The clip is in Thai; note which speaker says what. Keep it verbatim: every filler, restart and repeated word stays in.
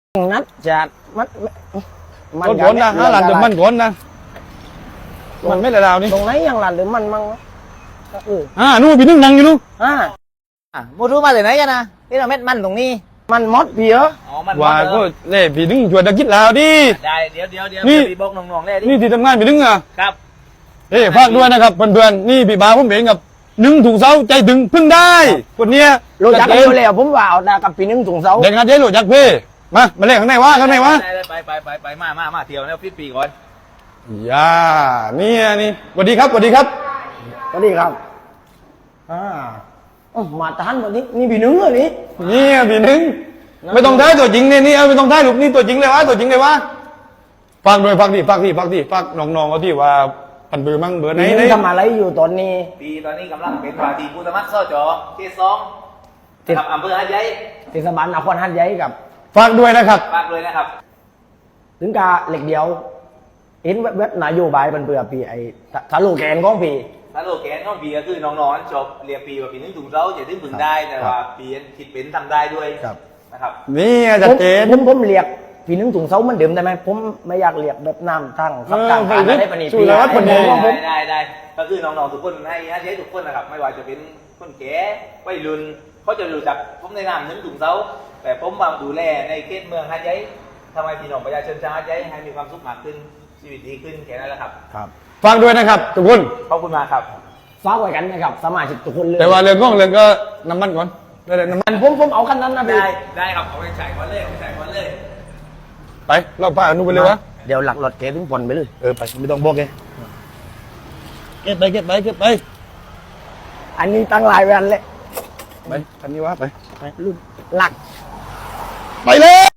Speaker 1: นัดจะมันมัน
Speaker 2: รถขนนะห้าหลันเดี๋ยวมันขนนะมันไม่ละลาวนี่
Speaker 1: ตรงไหนยังหลันหรือมันมั่งเออ
Speaker 2: อ่านู่นพี่นึ่งนั่งอยู่นู่น
Speaker 1: อ่า
Speaker 3: mua rúมาtừ nãy cho nè cái là mét manh tùng ni
Speaker 1: มันมดเพีย
Speaker 3: อ๋อมัน
Speaker 2: ว่าก็เล่พี่นึ่งชวนตะกิดลาวดิ
Speaker 3: ได้เดี๋ยวเดี๋ยวเดี๋ยว
Speaker 2: นี่
Speaker 3: พี่บอกน้องๆเลยดิ
Speaker 2: นี่ที่ทำงานพี่นึ่งอ่ะ
Speaker 3: ครับ
Speaker 2: เอ้ฝากด้วยนะครับเพื่อนๆนี่พี่บาผมเองกับนึ่งถุงเสาใจถึงพึ่งได้คนเนี้ย
Speaker 1: รู้จัก
Speaker 2: เอ
Speaker 1: กันอยู่แล้วผมว่าเอาดากับปีนึงถุงเสา
Speaker 2: เด็กงานเจ๊รู้จักพี่มามาเล่นข้างในวะข้างในวะ
Speaker 3: ได้ไปไปไปไปมามามาเที่ยวแล้วฟิตปีก่อน
Speaker 2: อย่านี่นี่สวัสดีครับสวัสดีครับ
Speaker 1: สวัสดีครับอ่าอ๋อมาทานแบบนี้นี่ปีนึงเลยนี่
Speaker 2: นี่พี่นึ่งไม่ต้องได้ตัวจริงเนี่ยนี่เอาไม่ต้องได้ลูกนี่ตัวจริงเลยวะตัวจริงเลยวะฝากด้วยฝากดิฝากดิฝากดิฝากน้องๆเขาที่ว่าพันเบอร์มั่งเบอร์ไหน
Speaker 1: ปี
Speaker 2: ไห
Speaker 1: นึ
Speaker 2: น
Speaker 1: งทำอะไรอยู่ตอนนี้
Speaker 3: ปีตอนนี้กำลังเป็นวาทีผู้สมัครสจเขตสองกับอำเภอหาดใหญ่
Speaker 1: เทศบาลนครหัดใหญ่กับ
Speaker 2: ฝากด้วยนะครับ
Speaker 3: ฝากเลยนะครับ
Speaker 1: ถึงกาเหล็กเดียวเห็นเว็บนโยบายมันเบื่อปีไอ้ทะลุแกนของปี
Speaker 3: ถ้าโลแกนของปีก็คือน้องๆจบเรียนปีว่าปีนึงถุงเท้าจะถึงพึงได้แต่ว่าปีคิดเป็นทำได้ด้วยนะครับ
Speaker 2: นี่จัดเจน
Speaker 1: ผมผมเรียกปีนึงถุงเสาเหมันเดิมได้ไหมผมไม่อยากเรียกแบบน้ำทั้งครับกลางการได้ปนี
Speaker 2: ช่วยแล้วคนเดียว
Speaker 3: ได้ได้ได้ก็คือน้องๆทุกคนให้ให้ใช้ทุกคนนะครับไม่ว่าจะเป็นคนแก่วัยรุ่นเขาจะรู้จักผมในนามนึงถุงเท้าแต่ผมมาดูแลในเขตเมืองหาดใหญ่ทำไมพี่น้องประชาชนชาวหาดใหญ่ให้มีความสุขมากขึ้นชีวิตดีขึ้นแค่นั้นแหละครับ
Speaker 1: ครับ
Speaker 2: ฝากด้วยนะครับทุกคน
Speaker 3: ขอบคุณมากครับ
Speaker 1: ฝากไว้กันนะครับสมาชิกทุกคนเลย
Speaker 2: แต่ว่าเรื่องก้องเรื่องก็น้ำมันก่อนได้เลยน้ำมัน
Speaker 1: อันผมผมเอาคันนั้นนะพี่
Speaker 3: ได้ได้ครับเอาไปใส่ก่อนเลยเอาไปใส่ก่อนเลย
Speaker 2: ไปเราพาอนุไปเลยวะ
Speaker 1: เดี๋ยวหลักรถเก๋ถึงผลไปเลย
Speaker 2: เออไปไม่ต้องบอกแกเก็บไปเก็บไปเก็บไป
Speaker 1: อันนี้ตั้งหลายแวนเลย
Speaker 2: ไปคันนี้วะไป
Speaker 1: รุ่นหลัก
Speaker 2: ไปเลย